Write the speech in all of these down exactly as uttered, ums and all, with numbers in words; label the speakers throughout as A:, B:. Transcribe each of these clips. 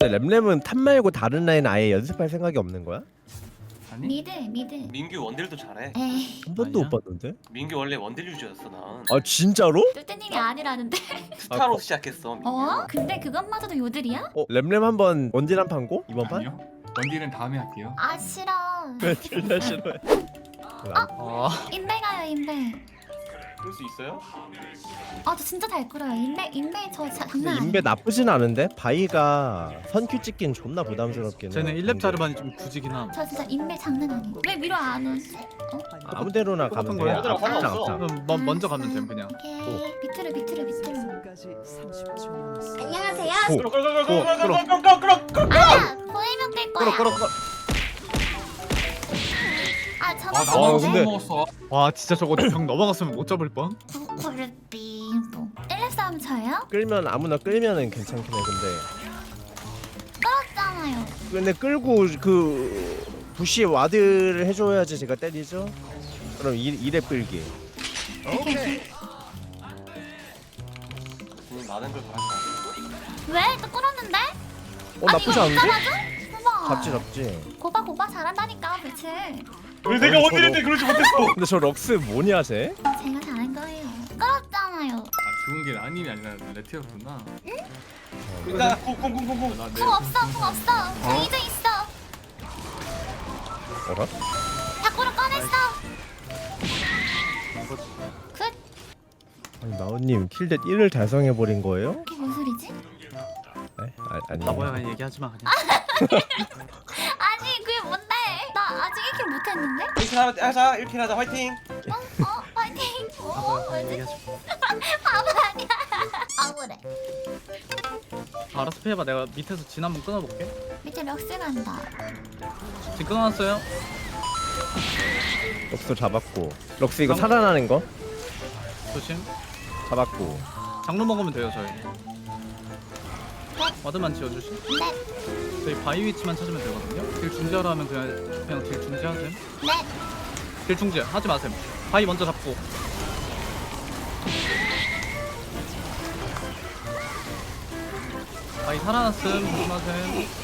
A: 근데 램램은 탑 말고 다른 라인 아예 연습할 생각이 없는 거야?
B: 아니?
C: 미드 미드.
D: 민규 원딜도 잘해.
C: 에이
A: 한 번도
B: 아니야?
A: 못 봤는데?
D: 민규 원래 원딜 유저였어 난.
A: 아 진짜로?
C: 뚜띠님이 아니라는데.
D: 스타로 시작했어 민규.
C: 어? 근데 그것마저도 요들이야?
A: 어 램램 한번 원딜 한 판고? 이번 판?
B: 아니요? 원딜은 다음에 할게요.
C: 아 싫어.
A: 왜 둘 다 싫어해?
B: 아,
C: 인베 가요 인베.
D: 그럴 수 있어요?
C: 아 저 진짜 잘 끌어요. 인베 인베 저 자,
A: 근데
C: 장난
A: 인베
C: 아니에요.
A: 나쁘진 않은데 바이가 선큐 찍긴 존나 부담스럽긴 해.
E: 쟤는 일 렙 자르반이 좀 굳이긴 함.
C: 저 진짜 인베 장난 아니에요. 왜 위로 안 오지? 어?
A: 아무 데로나 가면
E: 똑같은
A: 돼.
E: 거야?
D: 얘들아,
A: 앞장
D: 상관없어.
A: 앞장.
E: 그럼 먼- 먼저 가면 됨 그냥.
C: 오케이. 비트로 비트로 비트로.
F: 안녕하세요.
A: 고.
D: 끌어 끌어 끌어
A: 끌어,
D: 끌어 끌어 끌어 끌어 끌어.
C: 아 보이면 될 거야.
A: 끌어 끌어 끌어.
C: 아
B: 아
C: 저거
B: 나만
A: 어,
B: 어,
A: 근데-
B: 먹었어.
E: 와 진짜 저거 벽 넘어갔으면 못 잡을 뻔.
C: 구구르빙 일 렙 싸움 쳐요?
A: 끌면 아무나 끌면은 괜찮긴 해. 근데
C: 끌었잖아요.
A: 근데 끌고 그 부시 와드를 해줘야지 제가 때리죠. 그럼 이 이랩 끌기.
D: 음, 많은 걸 바랄 거야.
C: 왜? 또 끌었는데?
A: 어 나쁘지
C: 아니, 이거
A: 않은데?
C: 못 잡아줘?
A: 잡지 잡지.
C: 고바 고바 잘한다니까 그치?
D: 왜 내가
A: 아니,
D: 원딜인데
A: 저거-
D: 그러지 못했어?
A: 근데 저 럭스 뭐냐 쟤?
C: 제가 잘한 거예요. 끌었잖아요.
B: 아 죽은 게 라님이 아니라 레티였구나.
D: 일단 쿵쿵쿵쿵쿵.
B: 나
C: 궁 없어 궁 없어. 궁 이제 있어.
A: 어라?
C: 밖으로 꺼냈어. 굿.
A: 아니 나우님 킬댓 일을 달성해버린 거예요?
C: 이게 뭔 소리지?
A: 네? 아, 아니
E: 나 뭐야 그냥 얘기하지 마 그냥.
C: 아니 그게 뭔데? 나 아직 일 킬 못했는데?
D: 일 킬 하자, 하자 일 킬 하자 화이팅.
C: 어? 어? 파이팅!
E: 나
C: 오
E: 뭐야 그냥
C: 뭐지?
E: 얘기하지
C: 바보 아니야. 억울해.
E: 마. 알아서 피해봐. 내가 밑에서 진 한번 끊어볼게.
C: 밑에 럭스 간다.
E: 진 끊어놨어요.
A: 럭스 잡았고 럭스 이거 살아나는 거?
E: 조심.
A: 잡았고
E: 장로 먹으면 돼요 저희. 와드만 지어주시.
C: 넷.
E: 저희 바위 위치만 찾으면 되거든요. 딜 중지하라 하면 그냥 그냥 딜 중지하셈.
C: 넷.
E: 딜 중지 하지 마셈. 바위 먼저 잡고. 바위 살아났음. 조심하셈.
C: 넷.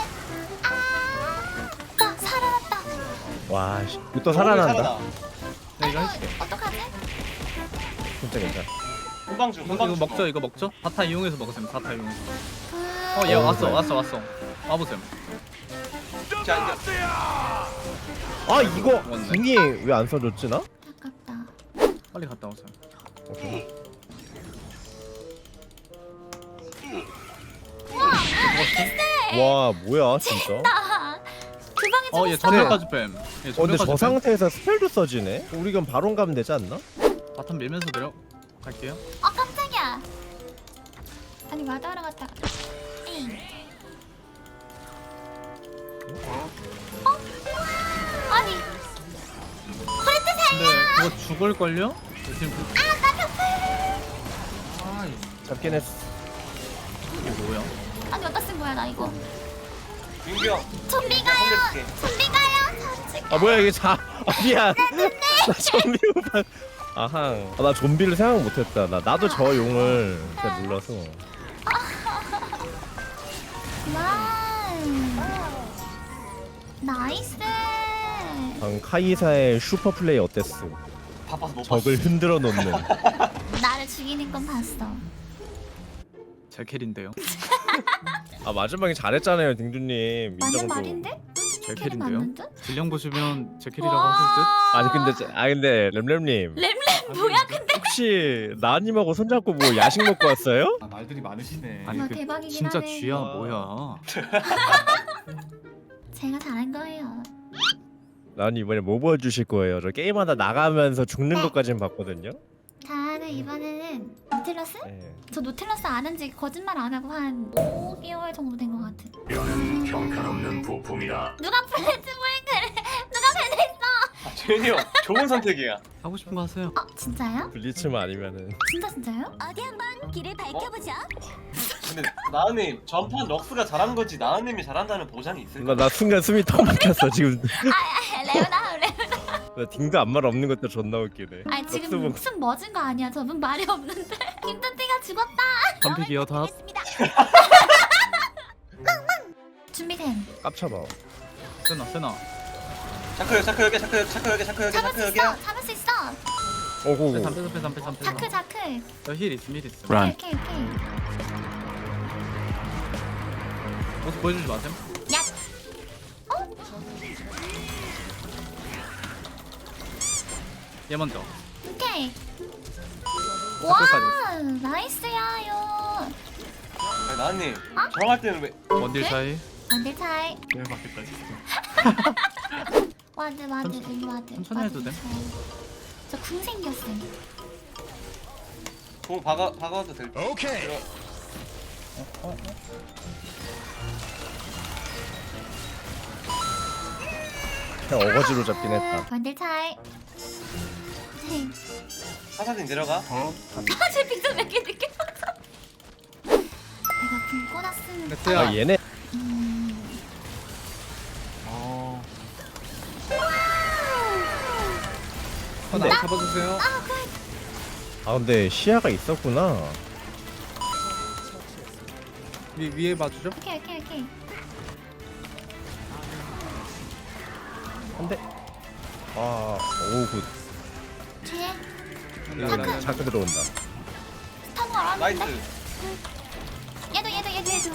C: 아. 나 살아났다.
A: 와 씨, 이거 또 살아난다.
E: 네, 이거 해줄게.
C: 어떡하지?
A: 진짜 괜찮아.
D: 금방 중
E: 이거,
D: 금방
E: 이거
D: 중.
E: 먹죠. 이거 먹죠. 바타 이용해서 먹으셈. 바타 이용해서.
C: 그...
E: 어, 얘
A: 어,
E: 왔어.
A: 그래.
E: 왔어. 왔어. 와보셈.
D: 자 이제
A: 아 이거
E: 죽었네.
A: 궁이 왜 안 써줬지 나?
C: 아깝다.
E: 빨리 갔다 오셈.
A: 오케이. 와 뭐야 진짜?
C: 나. 그 방에
E: 어, 얘
C: 죽었어.
E: 전멸까지 뺨. 얘
A: 어 근데
E: 전멸까지
A: 저
E: 뺨.
A: 상태에서 스펠도 써지네? 우리 그럼 바론 가면 되지 않나?
E: 바텀 밀면서 내려 갈게요.
C: 아 깜짝이야. 아니 마다하러 갔다가. 에이. 어? 아니. 코레트 살려.
E: 근데 그거 죽을걸요? 지금 그-
B: 아
A: 잡긴 했어.
E: 이게 뭐야?
C: 아니 어디다 쓴 거야 나 이거.
D: 민규 형.
C: 좀비 가요.
D: 혼내줄게.
C: 좀비 가요. 저 지금.
A: 아 뭐야 이게 자 아, 미안. 나 좀비 오빠. 아항. 아, 나 좀비를 생각 못했다. 나 나도 저 용을 잘 몰라서.
C: 와우. 나이스.
A: 방 카이사의 슈퍼 플레이 어땠어?
D: 바빠서 못 봤어.
A: 적을 흔들어 놓는.
C: 나를 죽이는 건 봤어.
E: 제 캐리인데요.
A: 아 마지막에 잘했잖아요 딩두님.
C: 맞는
A: 인정도.
C: 말인데?
E: 제
C: 캐리
E: 캐리인데요.
C: 맞는 듯?
E: 질량 보시면 제 캐리라고 하실 듯.
A: 아니 근데 제- 아 근데 램램님
C: 램램 뭐야 근데?
A: 혹시 나님하고 손잡고 뭐 야식 먹고 왔어요?
B: 아, 말들이 많으시네.
E: 아니
C: 와,
E: 그
C: 대박이긴
E: 진짜
C: 하네.
E: 쥐야
A: 와.
E: 뭐야?
C: 제가 잘한 거예요.
A: 난 이번에 뭐 보여주실 거예요? 저 게임하다 나가면서 죽는 것까지는 봤거든요.
C: 저는 이번에는 노틸러스?
A: 네.
C: 저 노틸러스 아는지 거짓말 안 하고 한 오 개월 정도 된 것 같은.
G: 형편없는 부품이다.
C: 누가 플래츠블크를 누가 변했어?
D: 아, 재현이 형 좋은 선택이야.
E: 하고 싶은 거 하세요.
C: 어 진짜요?
A: 블리츠만 아니면은
C: 진짜 진짜요? 어디 한번 길을 밝혀보죠.
D: 근데 나은님 전판 럭스가 잘한 거지 나은님이 잘한다는 보장이 있을까?
A: 나, 나 순간 숨이 턱 막혔어 지금.
C: 아 레오나 레오나.
A: 나 딩도 아무 말 없는 것도 존나 웃기네.
C: 아
A: 럭스
C: 지금
A: 뭐-
C: 목숨 멎은 거 아니야? 저분 말이 없는데. 김뚜띠가 죽었다.
E: 선픽이요 다.
C: 알겠습니다. 준비됨.
A: 깝쳐봐.
E: 세나 세나.
D: 자크 자크 여기 자크 여기 자크 여기 자크 여기
C: 잡을
D: 자크
C: 수
D: 여기야.
C: 있어. 잡을 수 있어.
A: 오고.
E: 빼삼 빼삼 빼삼 빼삼 빼삼.
C: 자크 자크.
E: 저힐 있음 힐 있음.
C: 오케이 오케이 오케이.
E: 모습 보여주지 마셈.
C: 야.
E: 얘 먼저.
C: 오케이.
E: 자크까지.
C: 와 나이스야요.
D: 아니, 나은님 정할 때는 왜?
E: 원딜 차이.
C: 안될 차이.
B: 내가 받겠다 진짜.
C: 와드 와드
E: 천천히-
C: 일로 와드.
E: 천천히 해도 돼.
C: 저궁 생겼음.
D: 공 박아 박아도 될 듯.
A: 오케이.
D: 들어.
A: 그냥 어거지로 잡긴 했다.
C: 안될 차이. 네.
D: 사사진 내려가.
B: 어?
C: 아제 빅터 몇개 늦게 봤어. 내가 궁 꽂았음.
E: 레트야.
A: 아 얘네.
C: 음.
B: 어.
E: 하나 잡아주세요.
C: 아 그.
A: 아 근데 시야가 있었구나.
E: 위 위에 봐주죠.
C: 오케이 오케이 오케이.
A: 근데 아 오굿.
C: 뒤에
E: 자크.
A: 자크 들어온다.
C: 스턴 걸었는데.
D: 나이스.
C: 얘도 얘도 얘도 얘도.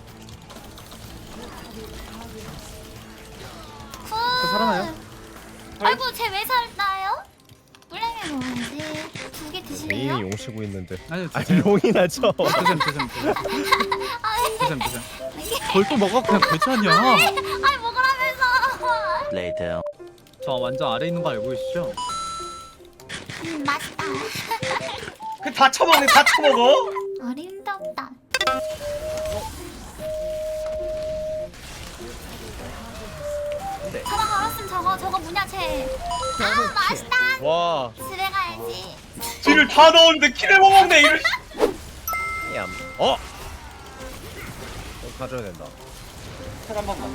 C: 후.
E: 저 살아나요?
C: 아이고 쟤 왜 살나요? 물량이 뭐지? 두 개 드실래요?
A: 메인이 용 치고 있는데.
E: 아니
A: 아니
E: 드세요.
A: 용이나 쳐.
E: 드셈 드셈 드셈. 드셈 드셈.
C: 이게
E: 그걸 또 먹어 그냥 괜찮냐?
C: 아니 먹으라면서.
E: 저 완전 아래 있는 거 알고 계시죠?
C: 음 맛있다.
D: 그다 처먹네 다 처먹어.
C: 어림없다. 저거 걸었으면 저거 저거 뭐냐 쟤. 아 맛있다.
A: 와.
C: 집에 가야지.
D: 뒤를 다 넣었는데 키를 못 먹네 이럴.
A: 얌. 어. 어 가져야 된다.
D: 한 번만.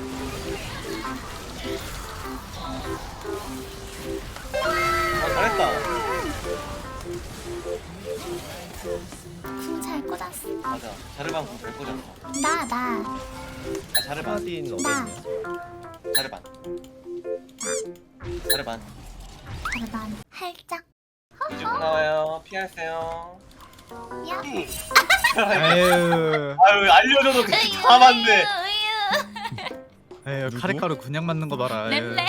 D: 아 잘했다.
C: 궁 잘 꽂았어.
D: 맞아. 자르반 공잘 꽂았어.
C: 나 나.
D: 아 자르반.
A: 하딘
C: 나.
A: 어딨냐?
D: 자르반. 자르반.
C: 자르반 살짝.
D: 이쪽 나와요. 피하세요.
C: 야.
E: 에휴.
D: 아유 알려줘도 그렇게 다 맞네.
E: 에휴
A: 누구?
E: 카레가루 그냥 맞는 거 봐라. 에휴.
C: 램램.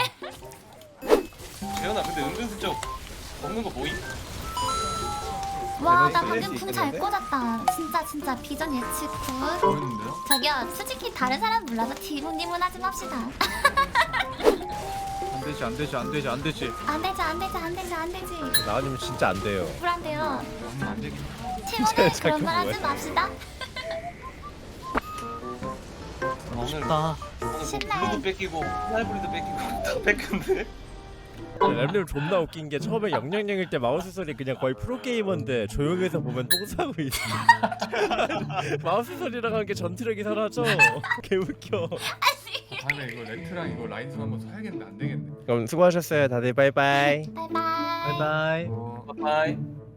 D: 재현아 근데 은근슬쩍 먹는 거 보임?
C: 와, 나
A: 수
C: 방금 궁 잘
A: 있겠는데?
C: 꽂았다. 진짜 진짜 비전 예측 굿.
B: 보이는데요?
C: 저기요, 솔직히 다른 사람 몰라서 디문디문하지 맙시다.
E: 안 되지 안 되지 안 되지 안 되지.
C: 안 되지, 안 되지, 안 되지, 안 되지.
A: 나가지면 진짜 안 돼요.
C: 불안돼요.
B: 하면 안 되겠네.
C: 팀원들
A: 진짜
C: 그런 말 하지
A: 뭐야?
C: 맙시다.
D: 오늘
E: 쉽다.
D: 오늘 뭐
C: 쉽네.
D: 블루도 뺏기고 하이브리도 뺏기고 다 뺏겼는데?
A: 램램 존나 웃긴 게 처음에 영영영일 때 마우스 소리 그냥 거의 프로게이머인데 조용해서 보면 똥 싸고 있어. 마우스 소리랑 한 게 전투력이 사라져. 개웃겨.
B: 다음에 이거 레트랑 이거 라이트 한번 사야겠는데 안 되겠네.
A: 그럼 수고하셨어요 다들. 바이바이.
C: 바이바이.
E: 바이바이.
B: 어.
D: 바이바이.